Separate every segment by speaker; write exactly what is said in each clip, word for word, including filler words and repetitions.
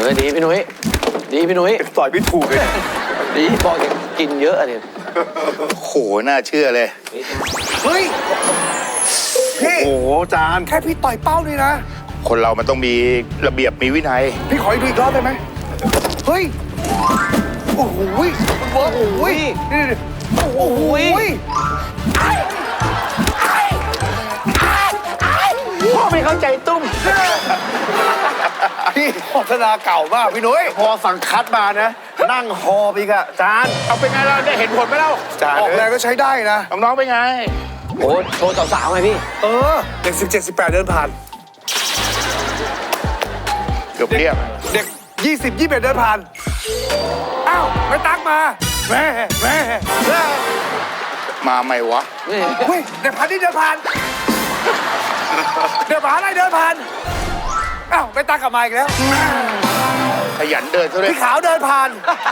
Speaker 1: อดีพี่นุ้ยดีพี่นุ้ย
Speaker 2: ต่อยพี่ถูกเลย
Speaker 1: ดีบอกจะกินเยอะเนี่ย
Speaker 3: โหน่าเชื่อเลย
Speaker 2: เฮ้ยพี่โอ้โหจานแค่พี่ต่อยเป้านี่นะ
Speaker 3: คนเรามันต้องมีระเบียบมีวินัย
Speaker 2: พี่ขอดูอีกรอบได้ไหมเฮ้ยโอ้โหโอ้โหโอ้โห
Speaker 1: พ่อไม่เข้าใจตุ้ม
Speaker 2: พี่โฆษณาเก่ามากพี่นุ้ยพอสั่งคัดมานะนั่งฮอไปกะจาน
Speaker 3: เอาเป็นไงเราได้เห็นผลไหมเล่า
Speaker 2: ออกแรงก็ใช้ได้นะ
Speaker 3: น้องๆเป็นไง
Speaker 1: โอ้โชว์สาวๆไงพี่
Speaker 2: เออเด็กสิบเจ็ดสิบแปดเดินผ่าน
Speaker 3: เกือบเรียบ
Speaker 2: เด็กยี่สิบยี่สิบเอ็ดเดินผ่านอ้าวไม่ตักมาแม่แม่
Speaker 3: มาไหมวะ
Speaker 2: เฮ้ยเด็กพันนี่เดินผ่านเดินผ่านอะไรเดินผ่านอ้าวไม่ตักกลับมาอีกแล้ว
Speaker 3: ขยันเดินเท่าไหร่
Speaker 2: พี่ขาวเดินผ่าน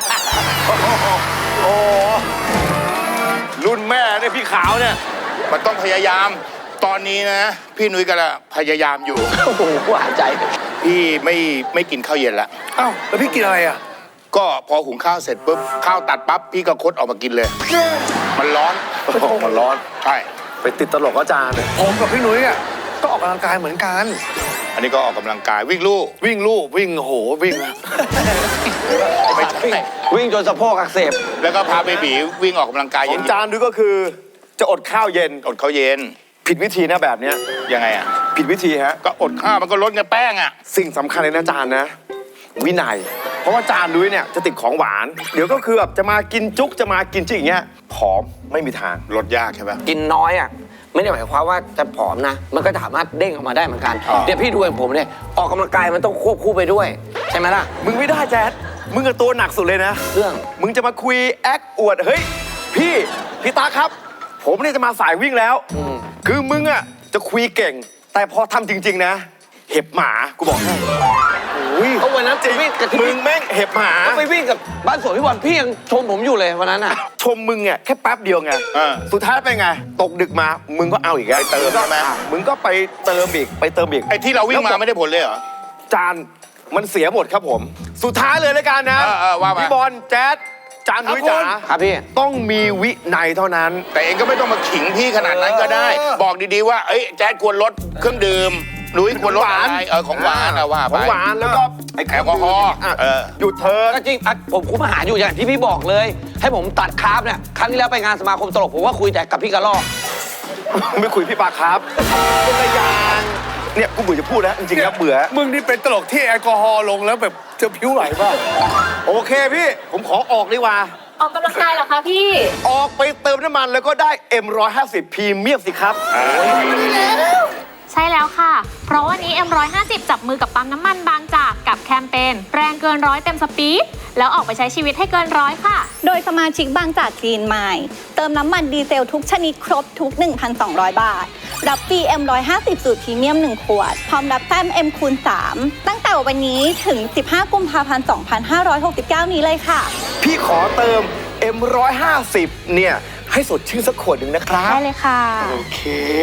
Speaker 2: โอ้รุ่นแม่เนี่ยพี่ขาวเนี่ย
Speaker 3: มันต้องพยายามตอนนี้นะพี่นุ้ยก็ละพยายามอยู่
Speaker 1: โอ้โหหวานใจ
Speaker 3: พี่ไม่ไม่กินข้าวเย็นละ
Speaker 2: อ้าวแล้วพี่กินอะไรอ่ะ
Speaker 3: ก็พอหุงข้าวเสร็จปุ๊บข้าวตัดปั๊บพี่ก็คดออกมากินเลยมันร้อน
Speaker 2: มันร้อน
Speaker 3: ใช่
Speaker 2: ไปติดตลกอาจารย์ผมกับพี่นุ้ยอ่ะก็ออกกำลังกายเหมือนกัน
Speaker 3: อันนี้ก็ออกกำลังกายวิ่งลู่
Speaker 2: วิ่งลู่วิ่งโหวิ่ง
Speaker 3: ไม่ใช่
Speaker 1: วิ่งจนสะโพกอักเสบ
Speaker 3: แล้วก็พาเบบีวิ่งออกกำลังกาย
Speaker 2: ของจานด้วยก็คือจะอดข้าวเย็น
Speaker 3: อดข้าวเย็น
Speaker 2: ผิดวิธีนะแบบเนี้ย
Speaker 3: ยังไงอ่ะ
Speaker 2: ผิดวิธีฮะ
Speaker 3: ก็อดข้าวมันก็ลดเงินแป้งอ่ะ
Speaker 2: สิ่งสำคัญเลยนะจานนะวินัยเพราะว่าจานด้วยเนี่ยจะติดของหวานเดี๋ยวก็คือแบบจะมากินจุ๊กจะมากินจิ๊กอย่างเงี้ยผอมไม่มีทาง
Speaker 3: ลดยากใช่ปะ
Speaker 1: กินน้อยอ่ะไม่ได้หมายความว่าจะผอมนะมันก็สามารถเด้งออกมาได้เหมือนกันเดี๋ยวพี่ดูอย่างผมเนี่ยออกกำลังกายมันต้องควบคู่ไปด้วยใช่ไหมล่ะ
Speaker 2: มึงไม่ได้แจ๊ดมึงกับตัวหนักสุดเลยนะ
Speaker 1: เรื่อง
Speaker 2: มึงจะมาคุยแอคอวดเฮ้ยพี่พี่ตาครับผมเนี่ยจะมาสายวิ่งแล้วคือมึงอ่ะจะคุยเก่งแต่พอทำจริงๆนะเห็บหมากูบอกให้
Speaker 1: เพราะวันนั้นไปวิ่งกับ
Speaker 2: มึงแม่งเห็บหมา
Speaker 1: ไปวิ่งกับบ้านสวนพี่บอลพี่ยังชมผมอยู่เลยวันนั้นอ่ะ
Speaker 2: ชมมึงอ่ะแค่แป๊บเดียวไงสุดท้ายเป็นไงตกดึกมามึงก็เอาอีกไง
Speaker 3: เติมใช่ไหม
Speaker 2: มึงก็ไปเติมอีกไปเติมอีก
Speaker 3: ไอ้ที่เราวิ่งมาไม่ได้ผลเลยเหรอ
Speaker 2: จานมันเสียหมดครับผมสุดท้ายเลยแล้วกันนะพี่บอลแจ๊ดจานนุ้ยจ๋า
Speaker 1: ครับพี่
Speaker 2: ต้องมีวินัยเท่านั้น
Speaker 3: แต่เองก็ไม่ต้องมาขิงพี่ขนาดนั้นก็ได้บอกดีๆว่าเอ้ยแจ๊ดควรลดเครื่องดื่มนุ้ยควรลดอะไรเออของหวานอะว่าไป
Speaker 2: ของหวานแล้วก็
Speaker 3: ไอ้แอลกอฮอล์
Speaker 2: หยุดเธอ
Speaker 1: ก็จริงผมคุมอาหารอยู่อย่างที่พี่บอกเลยให้ผมตัดคาร์บเนี่ยครั้งที่แล้วไปงานสมาคมตลกผมว่าคุยแต่กับพี่กระลอก
Speaker 2: ไม่คุยพี่ปาครับคนละอย่างเนี่ยกูเบื่อจะพูดแล้วจริงๆแล้วเบื่อมึงนี่เป็นตลกที่แอลกอฮอล์ลงแล้วแบบจะผิวไหลป่ะโอเคพี่ผมขอออกดีกว่า
Speaker 4: ออกกำลังกายเหรอคะพี่
Speaker 2: ออกไปเติมน้ำมันแล้วก็ได้ เอ็ม หนึ่งร้อยห้าสิบ พรีเมียมสิครับ
Speaker 4: ใช่แล้วค่ะเพราะวันนี้ เอ็ม หนึ่งร้อยห้าสิบ จับมือกับปั๊มน้ำมันบางจากกับแคมเปญแรงเกินร้อยเต็มสปีดแล้วออกไปใช้ชีวิตให้เกินร้อยค่ะ
Speaker 5: โดยสมาชิกบางจากกรีนไมล์เติมน้ำมันดีเซลทุกชนิดครบทุก หนึ่งพันสองร้อย บาทรับฟรี เอ็ม หนึ่งร้อยห้าสิบ สูตรพรีเมียมหนึ่งขวดพร้อมรับแต้ม M คูณสามตั้งแต่วันนี้ถึงสิบห้ากุมภาพันธ์สองพันห้าร้อยหกสิบเก้านี้เลยค่ะ
Speaker 2: พี่ขอเติม เอ็ม หนึ่งร้อยห้าสิบ เนี่ยให้สดชื่นสักขวดหนึ่งนะครับ
Speaker 5: ได้เลยค่ะ
Speaker 2: โอเค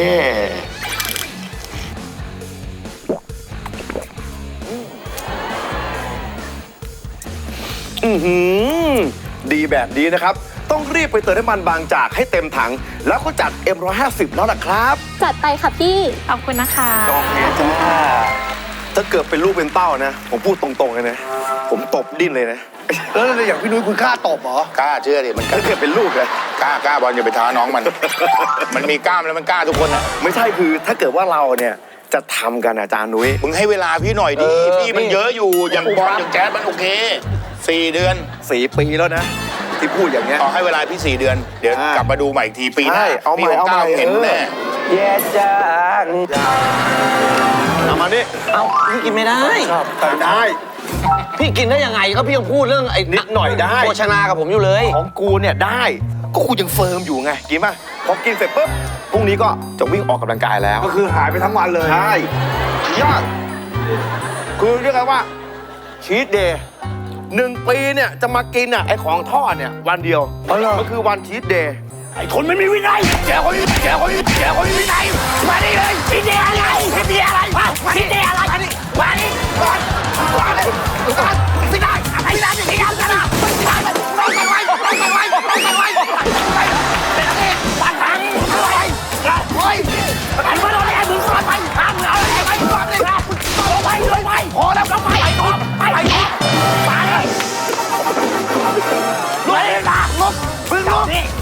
Speaker 2: อือหือดีแบบนี้นะครับต้องรีบไปเติมน้ำมันบางจากให้เต็มถังแล้วก็จัด เอ็ม หนึ่งร้อยห้าสิบ แล้วล่ะครับ
Speaker 5: จัดไปค่ะพี่
Speaker 4: ขอบคุณนะคะ
Speaker 2: โอเคจ้าถ้าเกิดเป็นลูกเป็นเต้านะผมพูดตรงๆเลยนะผมตบดิ้นเลยนะแล้วอย่างพี่นุ้ยคุณกล้าตบเหรอก
Speaker 3: ล้าเชื่อดิมัน
Speaker 2: ถ้าเกิดเป็นลูกเลย
Speaker 3: กล้ากล้าบอลอย่าไปท้าน้องมันมันมีกล้ามแล้วมันกล้าทุกคนนะ
Speaker 2: ไม่ใช่คือถ้าเกิดว่าเราเนี่ยจะทำกันอาจารย์นุ้ย
Speaker 3: มึงให้เวลาพี่หน่อยดิพี่มันเยอะอยู่อย่างบอลอย่างแจ๊ดมันโอเคสี่เดือน
Speaker 2: สี่ปีแล้วนะที่พูดอย่างเงี้ย
Speaker 3: ขอให้เวลาพี่สี่เดือนเดี๋ยวกลับมาดูใหม่อีกทีปีหน้า
Speaker 2: เอาใหม่เอาใหม่
Speaker 3: เห็นแน่
Speaker 1: แย่จัง
Speaker 2: เอามานี่
Speaker 1: เอาพี่กินไม่ได้
Speaker 2: ครับได้
Speaker 1: พี่กินได้ยังไงก็พี่ยังพูดเรื่องไอ้
Speaker 2: นิดหน่อยได้
Speaker 1: โภชนากับผมอยู่เลย
Speaker 2: ของกูเนี่ยได้ก็กูยังเฟิร์มอยู่ไงกินป่ะพอกินเสร็จปุ๊บพรุ่งนี้ก็จะวิ่งออกกำลังกายแล้ว
Speaker 3: ก็คือหายไปทั้งวันเลย
Speaker 2: ใช่ยากคือเรียกว่าชีทเดย์หนึ่งปีเนี่ยจะมากินอ่ะไอของทอดเนี่ยวันเดียวมันคือวันชีทเดย์
Speaker 3: ไอคนไม่มีวินัยแกคนแกคนแกคนมีวินัยมาดิเลยชีทเดย์อะไรชีทเดย์อะไรชีทเดย์อะไรมาดิมาดิก่อนก่อน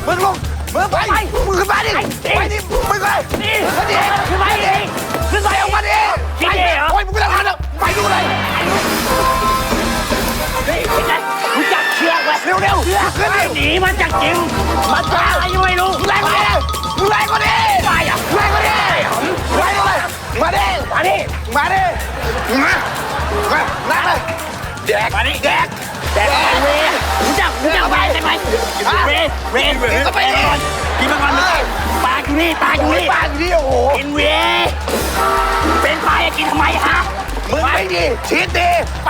Speaker 2: มึงลงมึงไปมึงขึ้นมาดิไปดิมึงเลยนี่ขึ้นดิขึ้นไปดิขึ้นไปออกมาดิไปโอ้ยมึงไม่ต้องทำแล้วไปดูเลยรู้จักเชือกไหมเร็วเร็วขึ้นดิหนีมาจากจริงมาจากอะไรยังไม่รู้แรงกว่าดิแรงกว่าดิไปอ่ะแรงกว่าดิแรงกว่าดิมาดิมาดิมาดิมามานั่งเลยแดกมาดิแดกแดกไปเวรู้จักรู้จักไปใช่ไหมเวเวเวไปดิกินมาก่อนเลยปลาอยู่นี่ปลาอยู่นี่ปลาอยู่นี่โอ้โหกินเวเป็นปลาจะกินทำไมฮะมึงไปดิชีดดิไป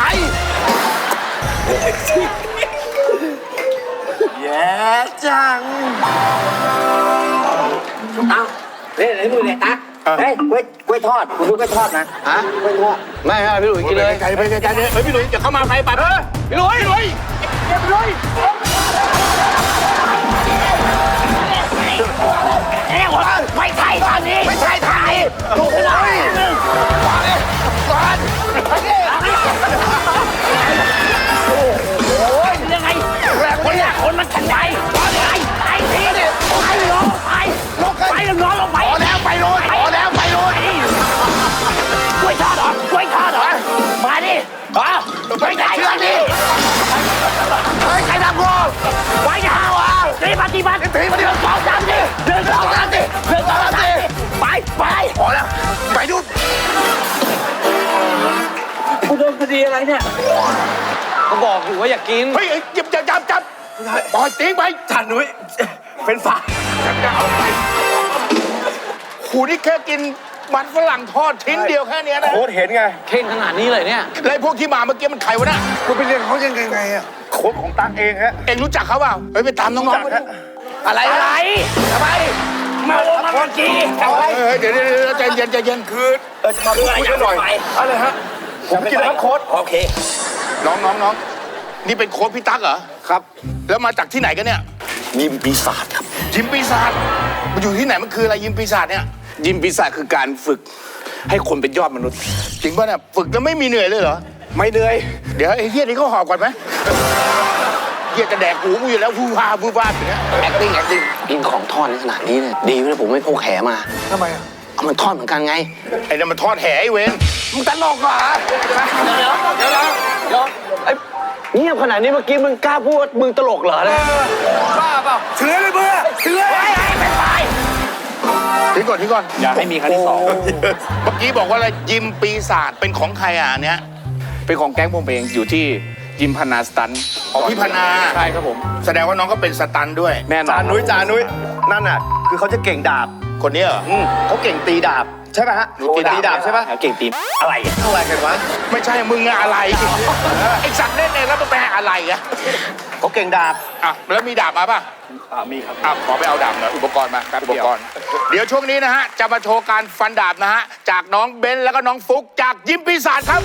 Speaker 2: แย่จัง
Speaker 1: เอาเล่นอะไรมือเนี่ยตั๊กเฮ้ยกล้วยกล้วยทอดคุณดูกล้วยทอดนะฮะกล้วยทอดไม่ไม่พี่หลุยกินเลย
Speaker 3: ไกลไปไกลไกลเลยเฮ้ยพี่หลุยจะเข้ามาไปไปพี่หลุยพี่หลุยพี่หลุยไม่ใช่ทางนี้ไม่ใช่ทางนี้ถูกเลยก่อนเลยก่อนโอ้ยยังไงคนเนี่ยคนมันขันใจไปไปทีนี่ไปลงไปลงไปลงนอนลงไปพอแล้วไปเลยพอแล้วไปเลยกล้วยทอดเหรอกล้วยทอดเหรอมาดิฮะไปไหนเชื่อดิเฮ้ยใครทำกูไปยาวอ่ะตีมาตีมาตีมาตีมาสองสามดิเดินสองสามดิเดินสองสามดิไปไปพอแล้วไปดูกูโดนคดีอะไรเนี่ย
Speaker 1: ก็บอกอยู่ว่าอยากกิน
Speaker 3: เฮ้ยจับจับจับจับปล่อยทิ้งไปจันนุ้ยเป็นฝาจะเอาไปหูนี่แค่กินมันฝรั่งทอดชิ้นเดียวแค่นี้นะ
Speaker 2: โค้ดเห็นไง
Speaker 1: เข่งขนาดนี้เลยเนี่ย
Speaker 3: แล้วพวกที่มาเมื่อกี้มันใครวะน่ะ
Speaker 2: คุณไปเรียนเขายังไงอ่ะโค้ดของตั๊กเองฮะ
Speaker 3: เอ็งรู้จักเขาเปล่าเฮ้ยไปตามน้องๆมาดู
Speaker 2: อะไร
Speaker 3: อะไรทำไมมาลงมาเมื่อกี้เฮ้ยเดี๋ยวเดี๋ยวใจเย็นใจเย็นคือ
Speaker 2: เออจะมาพูดคุยกันหน่อยอะไรฮะผมกินแล้วครับโค้ด
Speaker 3: โอเคน้องน้องน้องนี่เป็นโค้ชพี่ตั๊กเหรอ
Speaker 2: ครับ
Speaker 3: แล้วมาจากที่ไหนกันเนี่ย
Speaker 2: ยิมปีศาจครับ
Speaker 3: ยิมปีศาจมันอยู่ที่ไหนมันคืออะไรยิมปีศาจเนี่ย
Speaker 6: ยิมปีศาจคือการฝึกให้คนเป็นยอดมนุษย์
Speaker 3: จริงป่ะเนี่ยฝึกแล้วไม่มีเหนื่อยเลยเหรอ
Speaker 2: ไม่เหนื่อย
Speaker 3: เดี๋ยวไอ้เฮียนี่เขาหอบก่อนไหมเฮียจะแดกหูกูอยู่แล้วฟูฟ้าฟูฟ้าอย่างเงี้ย
Speaker 1: acting acting กินของทอดในขนาดนี้เนี่ยดีเลยผมไม่พกแขมา
Speaker 2: ทำไมอ่ะ
Speaker 1: เอามันทอดเหมือนกันไง
Speaker 3: ไอ้นั่นมันทอดแหไอ้เวน
Speaker 1: มึงตลกเหรอเดี๋ยวเดี๋ยวเดี๋ยวเดี๋ยวไอ้เงียบขนาดนี้เมื่อกี้มึงกล้าพูดมึงตลกเหรอเนี่ย
Speaker 2: บ้าเปล่าเถื่อนเลยเบื่อเถื่อน
Speaker 3: ทิ้งก่อนทิ้งก่อน
Speaker 6: อย่าให้มีครั้งที่สอง
Speaker 3: เมื่อกี้บอกว่าอะไรยิมปีศาจเป็นของใครอ่ะอันเนี้ย
Speaker 6: เป็นของแก๊งผมเองอยู่ที่ยิมพนาสตัน
Speaker 3: ของพี่พนา
Speaker 6: ใช่ครับผม
Speaker 3: แสดงว่าน้องก็เป็นสตันด้วย
Speaker 6: แน่นอน
Speaker 2: จานุ้ยจานุ้ยนั่นน่ะคือเขาจะเก่งดาบ
Speaker 3: คนนี้เหรอ
Speaker 2: อืมเขาเก่งตีดาบใช่ไหมฮะ
Speaker 3: หนูตีดาบ
Speaker 2: ตีดาบใช่ปะ
Speaker 6: เก่งตีอะไรอะ
Speaker 2: อะไรกันวะ
Speaker 3: ไม่ใช่มึงอะอะไรไอ้สัตว์เล่นเองแล้วมันแปลอะไรอะ
Speaker 2: เขาเก่งดาบ
Speaker 3: อ่ะแล้วมีดาบมาป่ะ
Speaker 6: อ่ามีครับ
Speaker 3: อ่ะขอไปเอาดาบหน่อยอุปกรณ์มาอุปกรณ์ เดี๋ยวช่วงนี้นะฮะจะมาโชว์การฟันดาบนะฮะจากน้องเบนซ์แล้วก็น้องฟุกจากยิมปีศาจครับ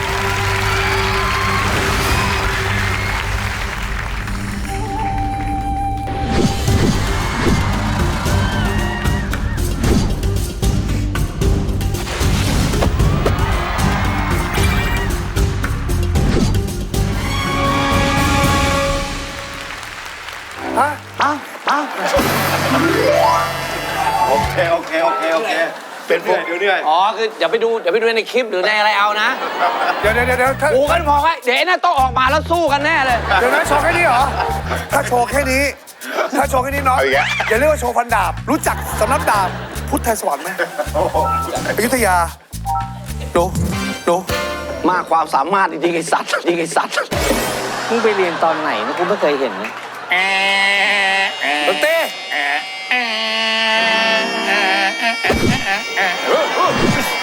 Speaker 2: โอเคโอเคโอเคโอเค
Speaker 3: เป็นพวก
Speaker 2: เดี๋ยวเหนื่อย
Speaker 1: อ๋อคืออย่าไปดูอย่าไปดูในคลิปหรือในอะไรเอานะ
Speaker 2: เดี๋ยวเดี๋ยวเดี๋ยวถ้า
Speaker 1: กูกันพอไว้เดี๋ยวไอ้น่าต้องออกมาแล้วสู้กันแน่เลย
Speaker 2: เดี๋ยวนะโชว์แค่นี้เหรอถ้าโชว์แค่นี้ถ้าโชว์แค่นี้น้องอย่าเรียกว่าโชว์ฟันดาบ รู้จักสำนักดาบพุทธไทยสวรรค์ไหมอยุธยาดูดู
Speaker 1: มากความสามารถจริงๆไอ้สัตว์จริงๆไอ้สัตว์
Speaker 7: มึงไปเรียนตอนไหนนะกูไม่เคยเห็นนะ
Speaker 3: แอะแอะ
Speaker 2: ดนตรี
Speaker 3: แอะแอะแอะแอะแอะแอะ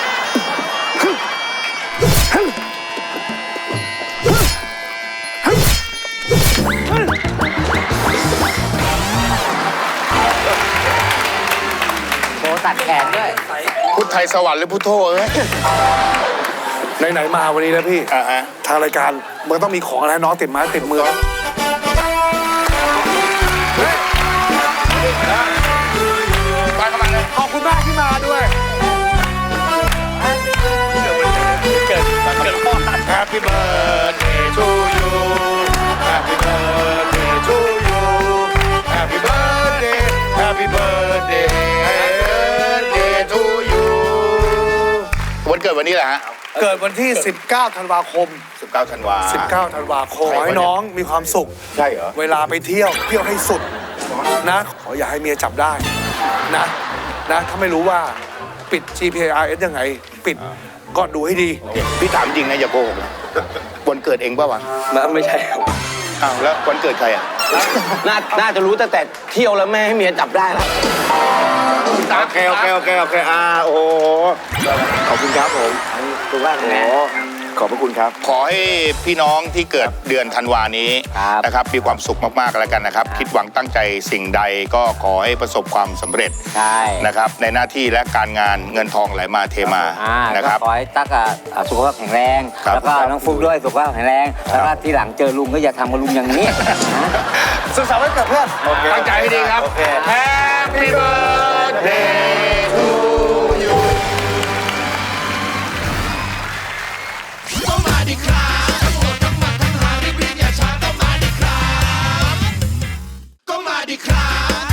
Speaker 7: โชว์ตัดแขนด้วย
Speaker 3: พุทธไทยสวรรค์หรือพุทโธเอ้ย
Speaker 2: ไหนๆมาวันนี้นะพี่
Speaker 3: อ่าฮะ
Speaker 2: ทางรายการมันต้องมีของอะไรให้น้องติดไม้ติดมือ
Speaker 3: ไปเข้ามาเลย
Speaker 2: ขอบคุณมากที่มาด้วย
Speaker 3: Happy birthday to you Happy birthday to you Happy birthday
Speaker 2: กิดวันนี้แหละฮะ
Speaker 3: เกิดวันที่ สิบเก้า ธันวาคม
Speaker 2: สิบเก้าธันวา
Speaker 3: สิบเก้า ธันวาคมขอให้น้องมีความสุข
Speaker 2: ใช่เหรอ
Speaker 3: เวลาไปเที่ยวเที่ยวให้สุดนะ ขออย่าให้เมียจับได้นะนะถ้าไม่รู้ว่าปิด จี พี อาร์ เอส ยังไง ปิดก็ดูให้ดี
Speaker 2: พี่ถามจริงนะอย่าโกหกนะวันเกิดเองป่าวะ
Speaker 1: ไม่ใช่ครับ
Speaker 2: อ้าวแล้ววันเกิดใครอ่ะ
Speaker 1: น่าน่าจะรู้ตั้งแต่เที่ยวแล้วแม่ให้เมียจับได้แล้ว
Speaker 2: โอเคโอเคโอเคโอเคอ่าโอ้โหขอบคุณครับผม
Speaker 1: ถูกว่าไง
Speaker 2: ขอบพระคุณครับ ขอให้พี่น้องที่เกิดเดือนธันวานี้นะครับมีความสุขมากๆแล้วกันนะครับ คิดหวังตั้งใจสิ่งใดก็ขอให้ประสบความสำเร็จ
Speaker 7: ใช่
Speaker 2: นะครับในหน้าที่และการงานเงินทองไหลมาเทมา
Speaker 7: อ่า
Speaker 2: นะครับ
Speaker 7: ก็ขอให้ตั๊กอ่ะอ่ะสุขภาพแข็งแรง
Speaker 2: ครับ
Speaker 7: แล้วก็น้องฟุกด้วยสุขภาพแข็งแรง แล้วก็ที่หลังเจอลุงก็อย่าทำกับลุงอย่างนี้นะ
Speaker 3: สุขสันต์วันเกิดเพื่อน
Speaker 2: ตั้งใจให้ดีครับ Happy birthday to you
Speaker 8: ก็มาดิครับทั้งหมดทั้งมันทั้งหาริบริญญาชาก็มาดิครับก็มาดิครับ